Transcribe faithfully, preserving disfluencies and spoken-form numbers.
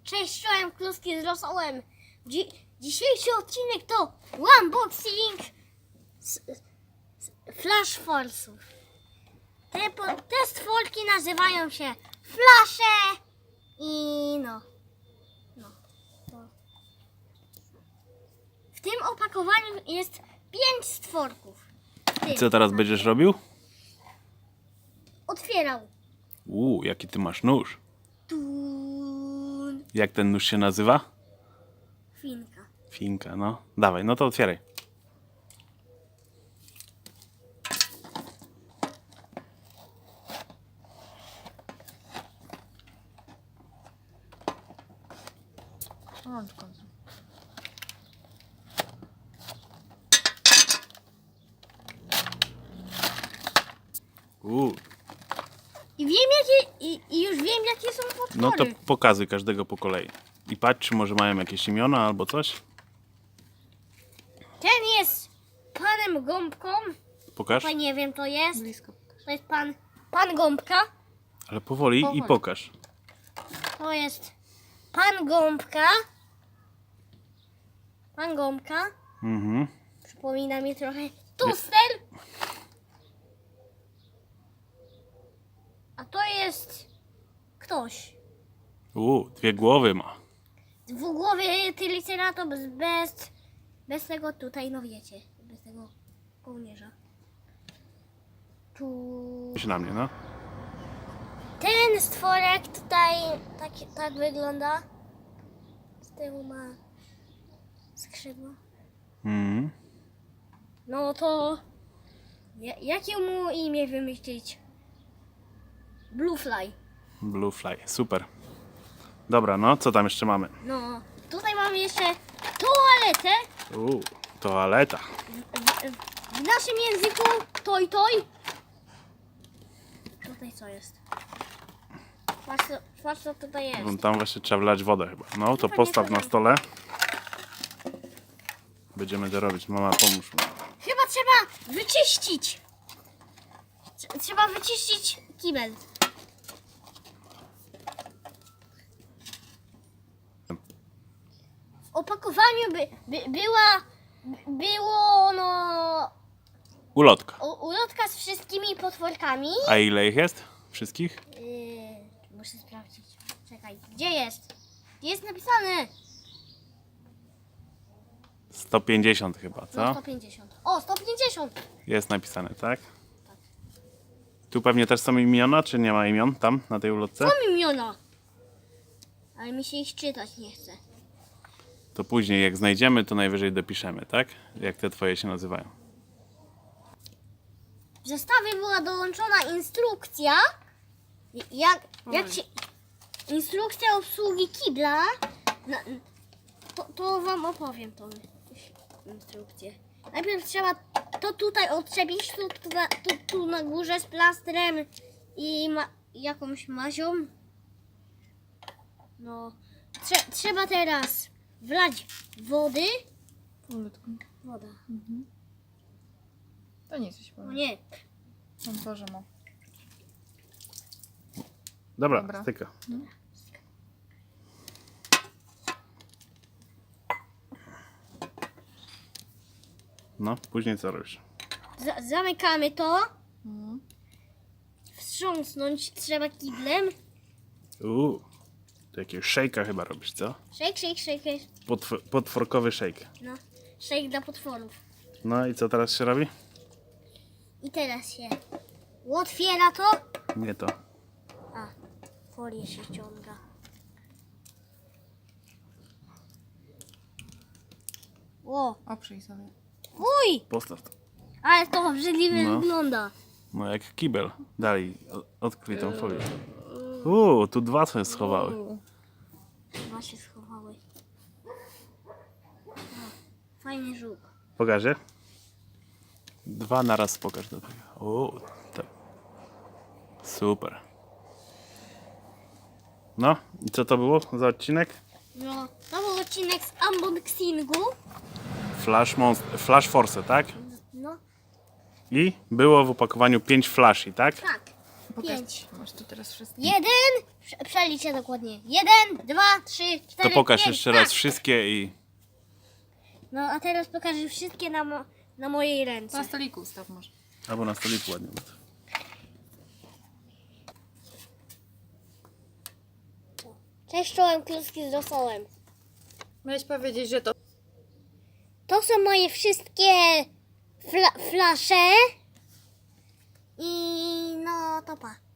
Cześć, czołem kluski z rosołem. Dzi dzisiejszy odcinek to unboxing z, z Flash Force'ów. Te, po- te stworki nazywają się Flasze i no. no to. W tym opakowaniu jest pięć stworków. W tym. Co teraz będziesz robił? Otwierał. Uuu, jaki ty masz nóż. Tun. Jak ten nóż się nazywa? Finka. Finka, no. Dawaj, no to otwieraj. O, w końcu. Uuu, I wiem jakie, i, i już wiem jakie są potwory. no to pokazuj każdego po kolei. I patrz, czy może mają jakieś imiona albo coś. Ten jest panem Gąbką. Pokaż. Chyba nie wiem, to jest. Blisko pokaż. To jest pan, pan Gąbka. Ale powoli, Powoli. i pokaż. To jest pan Gąbka. Pan Gąbka. Mhm. Przypomina mi trochę Tuster. A to jest ktoś. Uuu, dwie głowy ma. Dwugłowy Triceratops bez, bez tego tutaj, no wiecie, bez tego kołnierza. Tu... Patrz na mnie, no. Ten stworek tutaj tak, tak wygląda. Z tyłu ma skrzydła. Mhm. No to ja, jakie mu imię wymyślić? Bluefly. Bluefly, super. Dobra, no, co tam jeszcze mamy? No, tutaj mamy jeszcze toaletę. Uuu, toaleta. W, w, w naszym języku toj toj. Tutaj co jest? Patrz co, patrz co tutaj jest. No, tam właśnie trzeba wlać wodę chyba. No, to Pewnie postaw to na tam. stole. Będziemy to robić. Mama, pomóż mi. Chyba trzeba wyczyścić. Trze- Trzeba wyczyścić kibel. W opakowaniu by, by, była, by, było no Ulotka. u- ulotka z wszystkimi potworkami. A ile ich jest? Wszystkich? Yy, muszę sprawdzić. Czekaj, gdzie jest? Gdzie jest napisane? sto pięćdziesiąt chyba, No co? sto pięćdziesiąt. O, sto pięćdziesiąt. Jest napisane, tak? Tu pewnie też są imiona, czy nie ma imion tam, na tej ulotce? Są imiona. Ale mi się ich czytać nie chce. To później jak znajdziemy, to najwyżej dopiszemy, tak? Jak te twoje się nazywają. W zestawie była dołączona instrukcja, jak, jak się, instrukcja obsługi kibla. Na, to, to wam opowiem tą instrukcję. Najpierw trzeba to tutaj odczepić, tu, tu, na, tu, tu na górze z plastrem i ma, jakąś mazią. No, trze, trzeba teraz wlać wody. Powolutku. Woda. To nie coś O powiem. nie, On Boże ma. Dobra, Dobra. styka. No, później co robisz? Za, zamykamy to. Mhm. Wstrząsnąć trzeba kiblem. Uuu, to jakiegoś szejka chyba robisz, co? Shake, shake, shake. Potw- potworkowy szejk. No, shake dla potworów. No i co teraz się robi? I teraz się otwiera to. Nie to. A, folię się ściąga. O, Oprzyj sobie. uj! Postaw to. Ale to obrzydliwie No. wygląda. No jak kibel. Dalej, o- odkryj tą folię. Uuu, tu dwa sobie schowały. Chyba się schowały. O, fajny żółk. Pokażę? Dwa na raz pokaż do tego. Uuu, tak. Super. No, i co to było za odcinek? No, to był odcinek z unboxingu. Flash, Monst- Flash Force, tak? No, I było w opakowaniu pięć flashi, tak? tak. Pokaż. pięć. Masz tu teraz wszystko. Jeden, prze- przeliczę dokładnie. Jeden, dwa, trzy, To cztery, pokaż pięć. jeszcze raz A! wszystkie i... No a teraz pokażę wszystkie na, mo- na mojej Na ręce. stoliku ustaw może. Albo na stoliku ładnie. Cześć, czołem kluski z rosołem. Miałeś powiedzieć, że to... To są moje wszystkie fla- flasze. I no to pa.